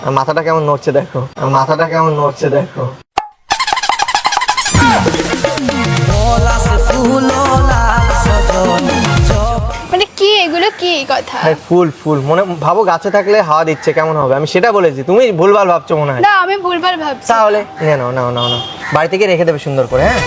মাথাটা কেমন নড়ছে দেখো, মাথাটা কেমন নড়ছে দেখো। মানে কি এগুলো, কি কথা? ফুল ফুল মনে ভাবো গাছে থাকলে হাওয়া দিচ্ছে কেমন হবে, আমি সেটা বলেছি, তুমি ভুলভাল ভাবছো মনে হয়। না আমি ভুলভাল ভাবছি। তাহলে নাও নাও নাও নাও, বাড়ি থেকে রেখে দেবে সুন্দর করে। হ্যাঁ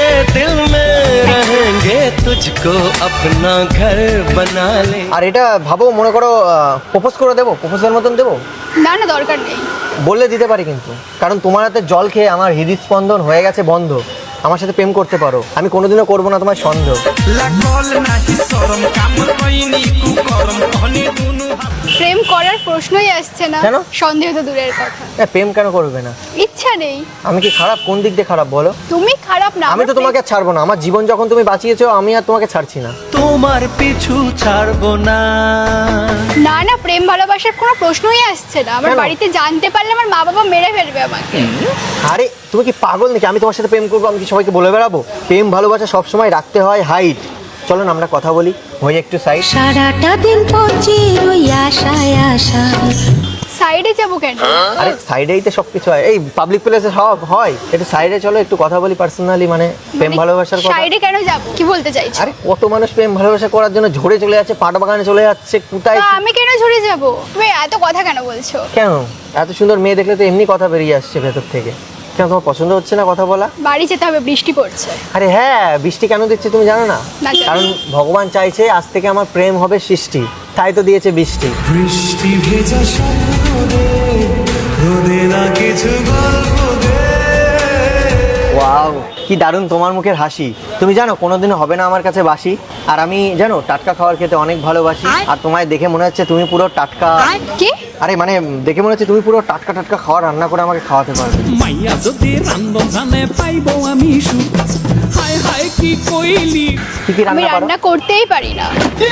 আর এটা ভাবো, মনে করো প্রপোজ করে দেবো, প্রপোজের মতন দেবো। না না দরকার নেই। বললে দিতে পারি কিন্তু, কারণ তোমার হাতে জল খেয়ে আমার হৃদস্পন্দন হয়ে গেছে বন্ধ। আমার সাথে প্রেম করতে পারো, আমি কোনোদিনও করবো না তোমার সন্দেহ। প্রেম করার প্রশ্নই আসছে না। কেন? সন্দেহ তো দূরের কথা। প্রেম কেন করবে না? ইচ্ছা নেই। আমি কি খারাপ? কোন দিক দিয়ে খারাপ বলো? তুমি খারাপ না। আমি তো তোমাকে আর ছাড়বো না, আমার জীবন যখন তুমি বাঁচিয়েছো আমি আর তোমাকে ছাড়ছি না। তোমার পিছু ছাড়বো না। না না, প্রেম ভালোবাসার কোনো প্রশ্নই আসছে না। আমার কেন? বাড়িতে জানতে পারলে আমার মা বাবা মেরে ফেলবে আমাকে। আরে তুমি কি পাগল নাকি? আমি তোমার সাথে প্রেম করবো, আমি কি সবাইকে বলে বেড়াবো? প্রেম ভালোবাসা সবসময় রাখতে হয় হাইট। চলো না আমরা কথা বলি, হয়ে একটু সাইড। সারাটা দিন পচি ওই আশায় আশায়। সাইডে যাবো কেন? আরে সাইডেই তো সবকিছু হয়, এই পাবলিক প্লেসে সব হয়। একটু সাইডে চলো, একটু কথা বলি পার্সোনালি, মানে প্রেম ভালোবাসার কথা। সাইডে কেন যাবো? কি বলতে চাইছো? আরে কত মানুষ প্রেম ভালোবাসা করার জন্য ঝরে চলে যাচ্ছে, পাট বাগানে চলে যাচ্ছে, কোথায় তা আমি কেন ঝরে যাব? তুমি এত কথা কেন বলছো? কেন? এত সুন্দর মেয়ে দেখলে তো এমনি কথা বেরিয়ে আসছে ভেতর থেকে। কেন তোমার পছন্দ হচ্ছে না কথা বলা? বাড়ি যেতে হবে, বৃষ্টি পড়ছে। আরে হ্যাঁ, বৃষ্টি কেন দিচ্ছে তুমি জানো না? না জানি। কারণ ভগবান চাইছে আজ থেকে আমার প্রেম হবে সৃষ্টি, তাই তো দিয়েছে বৃষ্টি। বৃষ্টি ভেজা সাগরে রোদে না কিছু গল্প দে। ওয়াও, কি দারুণ তোমার মুখের হাসি। তুমি জানো কোনোদিনও হবে না আমার কাছে বাসি। আর আমি জানো টাটকা খাবার খেতে অনেক ভালোবাসি। আর তোমায় দেখে মনে হচ্ছে তুমি পুরো টাটকা। কি? আরে মানে দেখে মনে হচ্ছে তুমি পুরো টাটকা টাটকা খাবার রান্না করে আমাকে খাওয়াতে পারবে। মাইয়া যদি রান্ধনে পাইব আমি সুখ, হায় হায় কি কইলি। কি কি আমি রান্না পারো? রান্না করতেই পারি না।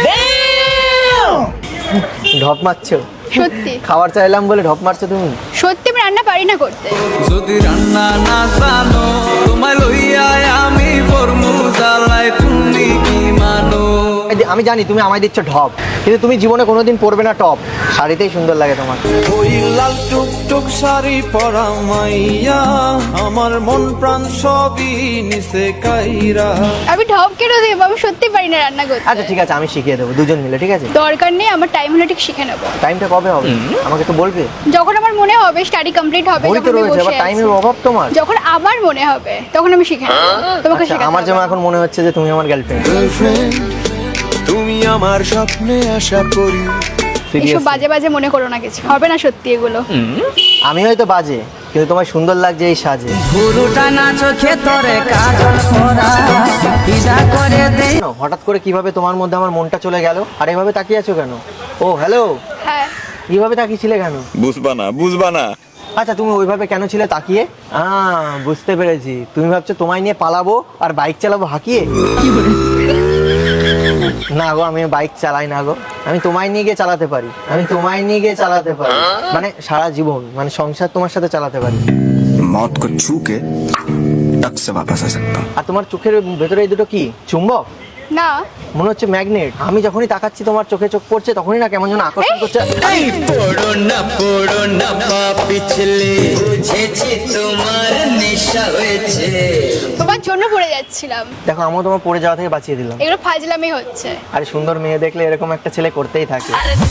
ঢপ মারছো? সত্যি খাবার চাইলাম বলে ঢপ মারছো তুমি? সত্যি আমি রান্না পারি না করতে। যদি রান্না না জানো, তোমায় লইয়া আমি ফরমু জ্বালাই, তুমি কি মানো? আমি জানি তুমি আমায় দিচ্ছ ঢপ, কিন্তু তুমি জীবনে কোনোদিন পরবে না টপ। শাড়িতেই সুন্দর লাগে তোমার। ওই লাল টুকটুক শাড়ি পরা মাইয়া আমার মন প্রাণ সবই নিচে কাইরা। আমি ঢপ কেন দেবো? আমি সত্যি পারি না রান্না করতে। আচ্ছা ঠিক আছে, আমি শিখিয়ে দেবো দুজন মিলে, ঠিক আছে? দরকার নেই, আমার টাইম হলে ঠিক শিখে নেবো। টাইমটা কবে হবে আমাকে তো বলবে। যখন আমার মনে হবে স্টাডি কমপ্লিট হবে, ওই তো যখন আমি রয়েছে, বসে আবার আছি। টাইমের অভাব তোমার। যখন আমার মনে হবে তখন আমি শিখে নেবো। তোমাকে আচ্ছা, শেখাতে আমার হবে যেমন না। এখন মনে হচ্ছে যে তুমি আমার গার্লফ্রেন্ড। গার্লফ্রেন্ড তুমি আমার স্বপ্নে আশা করি। এসব বাজে বাজে মনে করো না, কিছু হবে না সত্যি এগুলো। আমি হয়তো বাজে, কিন্তু তোমার সুন্দর লাগছে এই সাজে। পুরোটা না চোখে তোরে কাজল করা ইদা করে দে। জানো, হঠাৎ করে কিভাবে তোমার মধ্যে আমার মনটা চলে গেল? আর এভাবে তাকিয়ে আছো কেন? ও হ্যালো, হ্যাঁ, কিভাবে তাকিয়েছিলে কেন? বুঝবা না। আচ্ছা তুমি ওইভাবে কেন ছিলে তাকিয়ে? বুঝতে পেরেছি, তুমি ভাবছো তোমায় নিয়ে পালাবো আর বাইক চালাবো হাঁকিয়ে। না গো, আমি বাইক চালাই না গো, আমি তোমায় নিয়ে গিয়ে চালাতে পারি। আমি তোমায় নিয়ে গিয়ে চালাতে পারি, মানে সারা জীবন, মানে সংসার তোমার সাথে চালাতে পারি। मौत को छू के टक से वापस आ सकता हूँ। আর তোমার চোখের ভেতরে এই দুটো কি চুম্বক? না মনে হচ্ছে ম্যাগনেট। আমি যখনই তাকাচ্ছি তোমার চোখে চোখ পড়ছে, তখনই না কেমন যেন আকর্ষণ করছে। পড়ো না পা পিছলে, বুঝেছি তোমার নেশা হয়েছে। তোমার জন্য পড়ে যাচ্ছিলাম। দেখো, আমিও তোমার পড়ে যাওয়া থেকে বাঁচিয়ে দিলাম। এগুলো ফাজলামি হচ্ছে। আরে সুন্দর মেয়ে দেখলে এরকম একটা ছেলে করতেই থাকে।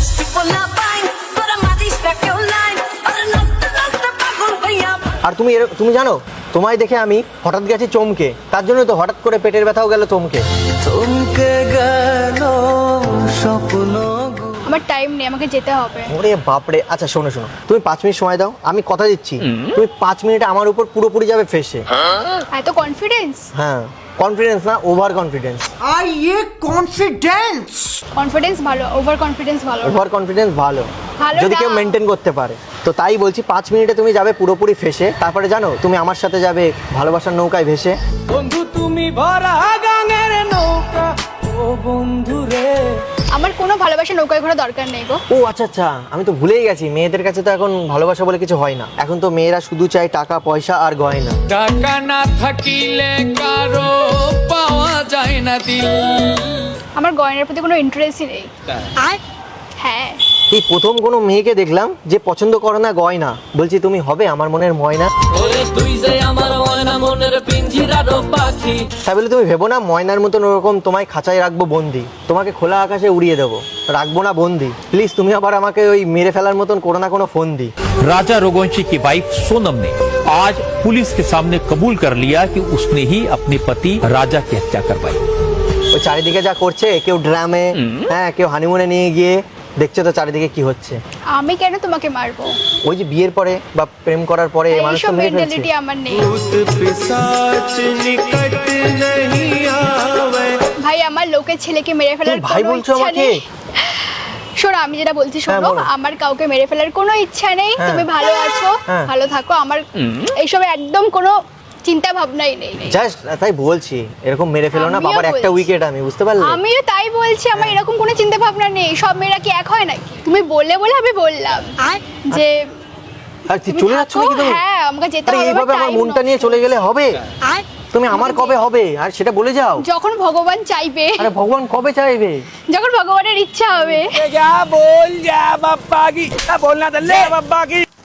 আর তুমি তুমি জানো, তোমায় দেখে আমি হঠাৎ গেছি চমকে, তার জন্য তো হঠাৎ করে পেটের ব্যথাও গেল চমকে। চমকে গেল স্বপ্ন। আমার টাইম নেই, আমাকে যেতে হবে। ওরে বাপরে। আচ্ছা শোনো শোনো, তুমি 5 মিনিট সময় দাও, আমি কথা দিচ্ছি তুমি 5 মিনিটে আমার উপর পুরোপুরি যাবে ফেসে। এত কনফিডেন্স? হ্যাঁ, কনফিডেন্স না, ওভার কনফিডেন্স। আর ये কনফিডেন্স। কনফিডেন্স ভালো, ওভার কনফিডেন্স ভালো না। ওভার কনফিডেন্স ভালো ভালো যদি না। কেউ মেনটেন করতে পারে। তো তাই বলছি 5 মিনিটে তুমি যাবে পুরোপুরি ফেসে, তারপরে জানো তুমি আমার সাথে যাবে ভালোবাসার নৌকায় ভেসে। বন্ধু তুমি ভরা গাঙের নৌকা, ও বন্ধু রে। আমার কোনো ভালোবাসা নৌকায় ঘোরা দরকার নেই গো। ও আচ্ছা আচ্ছা, আমি তো ভুলেই গেছি, মেয়েদের কাছে তো এখন ভালোবাসা বলে কিছু হয় না। এখন তো মেয়েরা শুধু চায় টাকা পয়সা আর গয়না। টাকা না থাকিলে কারো পাওয়া যায় না দিল। আমার গয়নার প্রতি কোনো ইন্টারেস্টই নেই। হ্যাঁ, এই প্রথম কোনো মেয়েকে দেখলাম যে পছন্দ করে না গয়না, বলছি তুমি হবে আমার মনের ময়না। তাই বলে তুমি ভেবো না ময়নার মতন ওরকম তোমায় খাঁচায় রাখবো বন্দি, তোমাকে খোলা আকাশে উড়িয়ে দেবো, রাখবো না বন্দি। প্লিজ তুমি আবার আমাকে ওই মেরে ফেলার মতন কোনো না কোনো ফোন দি। राजा रघुवंशी की वाइफ सोनम ने आज पुलिस के सामने कबूल कर लिया कि उसने ही अपने पति राजा की हत्या करवाई। ওই চারিদিকে যা করছে, কেউ ড্রামে, হ্যাঁ কেউ হানিমুনে নিয়ে গিয়ে, দেখছো তো চারিদিকে কি হচ্ছে। আমি কেন তোমাকে মারবো? ওই যে বিয়ের পরে বা প্রেম করার পরে মানুষ তো এইসব মেরে ফেলছে। মেন্টালিটি আমার নেই ভাই। আমার লোকের ছেলেকে মেরে ফেলার তুমি ভাই কোনো বলছো ইচ্ছা আমাকে? নেই। শোনো, আমি যেটা বলছি হ্যাঁ, শোনো, বলো। আমার কাউকে মেরে ফেলার কোনো ইচ্ছা নেই। হ্যাঁ। তুমি ভালো আছো, হ্যাঁ। ভালো থাকো, আমার এইসবে একদম কোনো চিন্তা ভাবনাই নেই। জাস্ট তাই বলছি, এরকম মেরে ফেলো না, আমিও বাবার একটা বলছি। উইকেট, আমি বুঝতে পারলে। আমিও তাই বলছি, আমার এরকম কোনো চিন্তা ভাবনা নেই। সব মেয়েরা কি এক হয় নাকি? তুমি বলে বলে আমি বললাম যে আর কি তুমি চলে যাচ্ছ থাকো। নাকি তুমি? হ্যাঁ, আমাকে যেতে আরে হবে, এইভাবে আমার time মনটা নষ্ট। নিয়ে চলে গেলে হবে? তুমি আমার কবে হবে আর সেটা বলে যাও। যখন ভগবান চাইবে, আরে ভগবান কবে চাইবে? যখন ভগবানের ইচ্ছা হবে। क्या बोल जा बप्पा की, क्या बोलना था ले बप्पा की।